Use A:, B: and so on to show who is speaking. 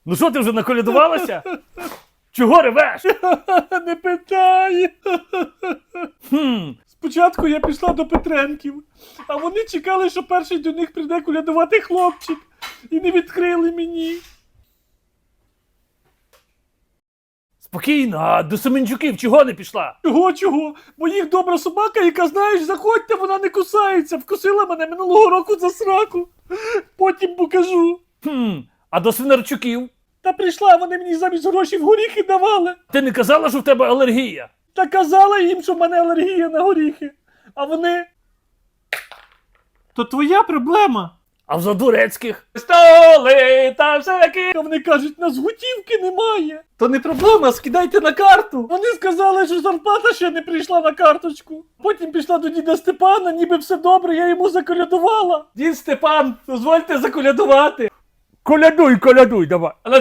A: Ну що, ти вже наколядувалася? Чого ревеш?
B: Не питай.
A: Хм,
B: Спочатку я пішла до Петренків, а вони чекали, що перший до них прийде колядувати хлопчик. І не відкрили мені.
A: спокійно, а до Семенчуків чого не пішла?
B: Чого? Бо їх добра собака, яка, знаєш, заходьте, вона не кусається. Вкусила мене минулого року за сраку. Потім покажу.
A: А до Свинарчуків?
B: Та прийшла, вони мені замість грошей в горіхи давали.
A: Ти не казала, що в тебе алергія?
B: Та казала їм, що в мене алергія на горіхи. А вони... То твоя проблема.
A: А в Задурецьких? Столи та всякі.
B: А вони кажуть, нас готівки немає. То не проблема, скидайте на карту. Вони сказали, що зарплата ще не прийшла на карточку. Потім пішла до діда Степана, ніби все добре, я йому заколядувала. Дід Степан, дозвольте заколядувати.
A: Колядуй, давай.